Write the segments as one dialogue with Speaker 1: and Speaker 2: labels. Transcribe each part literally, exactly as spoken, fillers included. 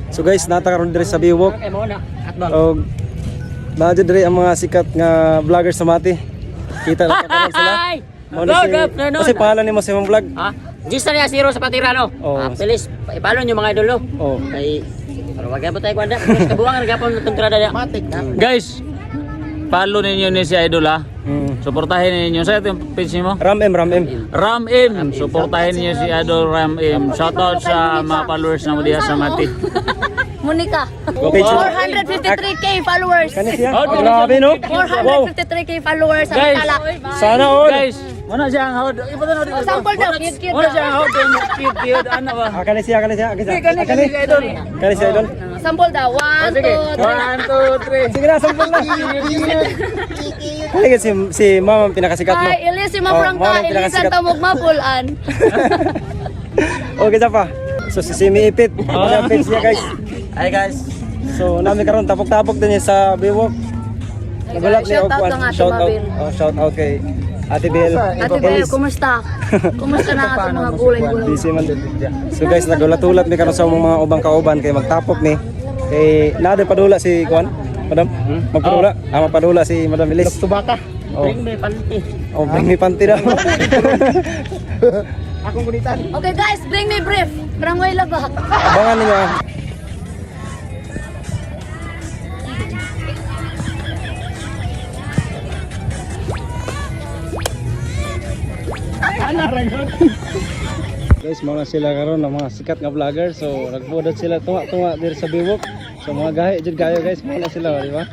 Speaker 1: So guys, nata karon diri sa Biwok.
Speaker 2: Okay, mo na. Atbang.
Speaker 1: Og naadyo diri ang mga sikat nga vlogger sa Mati. Kita na karon sila. Mao ni si kasi pangalan nimo sa imong vlog.
Speaker 2: Ha? Gista niya zero sa Patirano.
Speaker 1: Oh.
Speaker 2: Ah, please, ipalo niyo mga idolo.
Speaker 1: Oh.
Speaker 2: Kay pero wag gyapon tayo kwanda. Kabuang gapon ng kontrada niya. Matik.
Speaker 3: Guys, follow ninyo ni si Idol ha.
Speaker 1: Mm.
Speaker 3: Suportahin ninyo. Sa ito yung page mo?
Speaker 1: Ram M, Ram M.
Speaker 3: Ram M. Suportahin ninyo si Idol Ram M. Shoutout sa mga followers na mo diya sa Mati.
Speaker 4: Monica.
Speaker 1: Okay,
Speaker 4: four hundred fifty-three K followers.
Speaker 1: Kani siya?
Speaker 3: Oh,
Speaker 1: Grabe no?
Speaker 4: four hundred fifty-three K followers sa
Speaker 3: Guys.
Speaker 4: Tala.
Speaker 1: Sana all.
Speaker 3: Guys, muna siya ang hawad. Iba na
Speaker 4: Oh, sample daw, cute cute
Speaker 3: Muna siya
Speaker 4: daw.
Speaker 3: ang hawad. Cute, cute. Ano ba?
Speaker 1: Ah, kani siya, kani siya. Kani siya.
Speaker 3: Kani, kani, kani, Idol.
Speaker 1: Kani siya idol.
Speaker 4: Sample daw. One,
Speaker 3: Sige.
Speaker 4: two, three.
Speaker 3: One, two, three.
Speaker 1: Sige na, sampol na. Kani si si Mama ang pinakasikat mo.
Speaker 4: Hi, Elise
Speaker 1: Oh,
Speaker 4: Mafrangka,
Speaker 1: mao ang
Speaker 4: Elise
Speaker 1: pinakasikat.
Speaker 4: Tamog Mapulan.
Speaker 1: Okay sa pa. So si Simi Ipit. Ang page niya guys.
Speaker 2: Hi guys.
Speaker 1: So nami karon tapok-tapok din niya sa Biwok. Nagulat ni
Speaker 4: Shout out
Speaker 1: Ogwan.
Speaker 4: lang Ate
Speaker 1: Shout out.
Speaker 4: Mabel.
Speaker 1: Oh, shout out kay Ate Bel.
Speaker 4: Ate Bel, kumusta? Kumusta na ang ating mga gulay-gulay?
Speaker 1: Busy man. So guys, nagulat-ulat mi karon sa among mga ubang kauban kay magtapok ni. Kay naade padula si Kwan. Madam, magpadula. Ah, magpadula si Madam Elis. Tubaka. Oh,
Speaker 2: Bring me panty.
Speaker 1: oh, bring me panty daw.
Speaker 2: Akong kulitan.
Speaker 4: Okay guys, bring me brief. Barangay Labak.
Speaker 1: Abangan ninyo. ah. Guys, mga sila karon ng mga sikat nga vlogger. So, nagpudot sila tunga-tunga diri sa Biwok. So, mga gahi jud kayo guys, mga sila, di ba?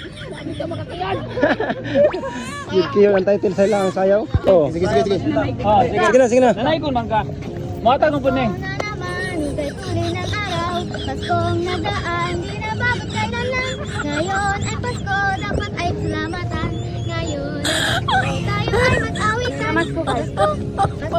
Speaker 1: Cute ang title sa ilang sayaw. Oh. Sige, sige, sige.
Speaker 3: Ah, sige.
Speaker 1: Sige na, sige na.
Speaker 3: Nanay ko man ka. Mata kong puning.
Speaker 5: Na naman, ika'y tuloy ng araw. Paskong nagaan, di na bakit kailan lang. Ngayon ay Pasko, dapat ay salamatan. Ngayon ay Pasko, tayo ay mag-awit. Salamat po guys. Pasko,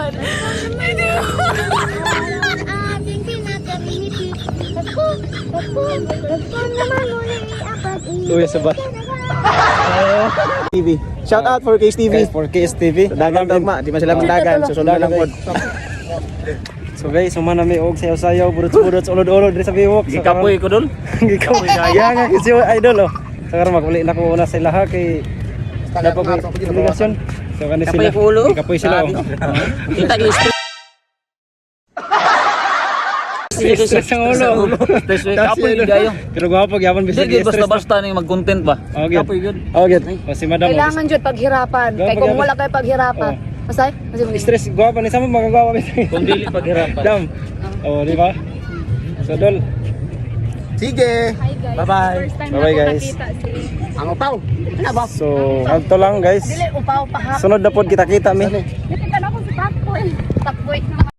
Speaker 5: araw ang ating pinagkainipit. Pasko, Pasko, Pasko naman muli ang pag-ibig.
Speaker 1: Uy, sabat. T V. Shout out for K S T V. For K S T V. Dagan tagma, di man sila mandagan. Susunod lang pod. So guys, sumana mi og sayaw-sayaw, burot-burot sa ulod-ulod diri sa Biwok. So,
Speaker 3: Gikapoy ko dun.
Speaker 1: Gikapoy kaya nga kasi idol oh. So karon maguli na ko una sa ilaha kay dapat ko komunikasyon. So kani sila.
Speaker 2: Kapoy ko ulo.
Speaker 1: Kapoy sila oh.
Speaker 2: Kita guys.
Speaker 1: Stress ang ulo.
Speaker 3: Stress week. Kapoy gayo.
Speaker 1: Pero gwapo gyapon bisag
Speaker 3: Sige,
Speaker 1: stress.
Speaker 3: basta-basta ni mag-content ba?
Speaker 1: Okay.
Speaker 3: Kapoy yun.
Speaker 1: Okay. O si Madam.
Speaker 4: Kailangan jud paghirapan.
Speaker 1: Go,
Speaker 4: Kay kung
Speaker 1: pag-
Speaker 4: wala kay paghirapan, masay? Kasi mag
Speaker 1: Stress gwapo ni sama magagawa bisag.
Speaker 3: Kung dili paghirapan.
Speaker 1: Dam. Oh, di ba? So dol.
Speaker 2: Sige.
Speaker 1: Bye-bye. Bye-bye guys.
Speaker 2: Ang upaw. Ano ba?
Speaker 1: So, agto lang guys.
Speaker 4: Dili upaw pa ha.
Speaker 1: Sunod na pod kita-kita mi.
Speaker 4: Dili ka na ko si Takboy. Takboy.